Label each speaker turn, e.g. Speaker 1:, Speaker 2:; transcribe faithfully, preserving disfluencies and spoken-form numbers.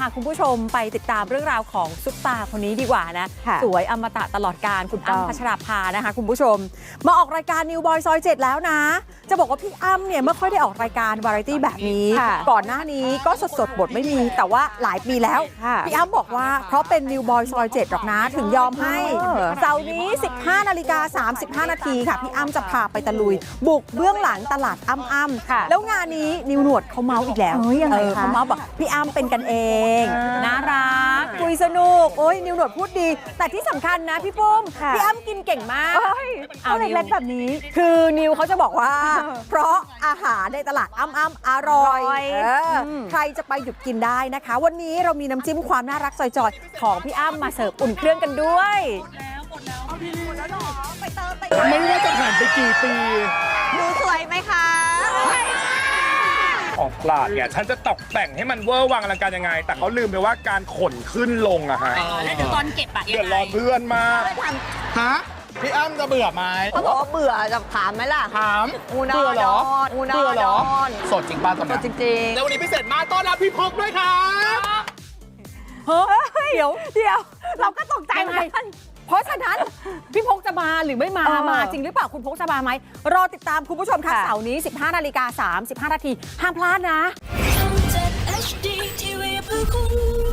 Speaker 1: าคุณผู้ชมไปติดตามเรื่องราวของซุปตาคนนี้ดีกว่านะสวยอมตะตลอดกาลคุณอ้ำพัชราภานะคะคุณผู้ชมมาออกรายการนิวบอยซอยเจ็ดแล้วนะจะบอกว่าพี่อ้ำเนี่ยไม่ค่อยได้ออกรายการวาไรตี้แบบนี้ก่อนหน้านี้ก็สดสดบทไม่มีแต่ว่าหลายปีแล้วพี่อ้ำบอกว่าเพราะเป็นนิวบอยซอยเจ็ดหรอกนะถึงยอมให้เสาร์นี้ สิบห้านาฬิกาสามสิบห้านาทีค่ะพี่อ้ำจะพาไปตะลุยบุกเบื้องหลังตลาดอ้ำอ้ำแล้วงานนี้นิวหนวดเขาเมาส์อีกแล้วเขาเมาส์บอกพี่อ้ำเป็นกันเองน่ารักคุยสนุกโอ้ยนิวหนวดพูดดีแต่ที่สำคัญนะพี่ปุ้มพี่อ้ำกินเก่งมากเอาเล็กๆแบบนี้คือนิวเขาจะบอกว่าเพราะอาหารในตลาดอ้ำอ้ำอร่อยใครจะไปหยุดกินได้นะคะวันนี้เรามีน้ำจิ้มความน่ารักจอยๆของพี่อ้ำมาเสิร์ฟอุ่นเครื่องกันด้วย
Speaker 2: ไม่ว่าจะผ่านไปกี่ปี
Speaker 3: ดูสวยไหมคะ
Speaker 2: ของตลาดเนี่ยฉันจะตกแต่งให้มันเวอร์วังอลังการยังไงแต่เขาลืมไปว่าการขนขึ้นลงอะฮะ
Speaker 4: แล้วเดี๋ยวตอนเก็บอะ
Speaker 2: เดือดร้อนเพื่อนมากฮะพี่อ้ำจะเบื่อไหม
Speaker 3: เขาบอกว่าเบื่อจะถามไหมล่ะ
Speaker 2: ถาม
Speaker 3: อูนอ
Speaker 2: เบื่อเหรอ
Speaker 3: อูนอ
Speaker 2: เบื่อเหรอ
Speaker 3: ดอน
Speaker 2: สดจริงป้าตอนนี้
Speaker 3: สดจริงๆ
Speaker 2: แล้ววันนี้พิเศษมากต้อนรับพี่พกด้วยค่ะ
Speaker 1: เฮ้ยเดี๋ยวเดี๋ยวเราก็ตกใจเหมือนกันเพราะฉะนั้นพี่พกจะมาหรือไม่มามาจริงหรือเปล่าคุณพกจะมาไหมรอติดตามคุณผู้ชมค่ะเสาร์นี้ สิบห้านาฬิกาสามสิบห้านาทีห้ามพลาดนะ
Speaker 4: ช่อง เจ็ด เอช ดี ที วี เพื่อคุณ